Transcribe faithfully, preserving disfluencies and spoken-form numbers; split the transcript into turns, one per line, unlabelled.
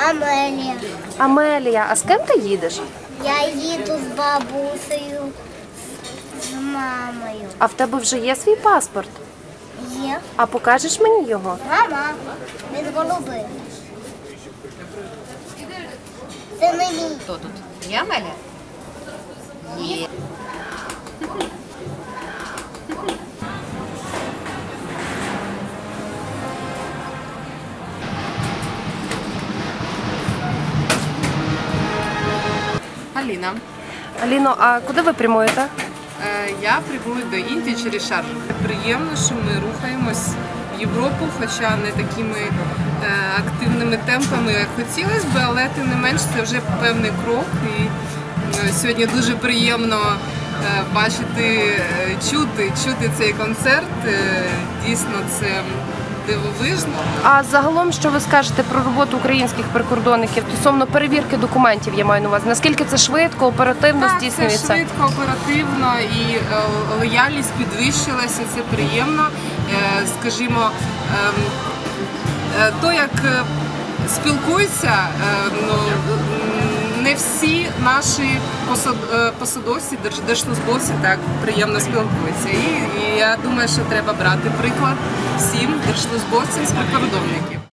Амелія.
Амелія, а з ким ти їдеш?
Я їду з бабусею, з мамою.
А в тебе вже є свій паспорт?
Є.
А покажеш мені його?
Мама, він голубий. Це не мій.
Хто тут? Я Амелія? Є.
Аліна.
Аліно, а куди ви прямуєте?
Е, Я прибула до Індії через Шаржу. Приємно, що ми рухаємось в Європу, хоча не такими е, активними темпами, як хотілося б, але тим не менш це вже певний крок. І е, сьогодні дуже приємно е, бачити, е, чути, чути цей концерт. Е, Дійсно, це дивовижно.
А загалом, що ви скажете про роботу українських прикордонників стосовно перевірки документів, я маю на увазі? Наскільки це швидко, оперативно
Так, це
здійснюється?
швидко, оперативно і е, лояльність підвищилася, це приємно. Е, Скажімо, ем, е, то, як е, спілкуються, е, ну, не всі наші посад- е, посадовці, держ- держслужбовці так приємно спілкуються. І, і я думаю, що треба брати приклад всім держслужбовцям з прикордонників.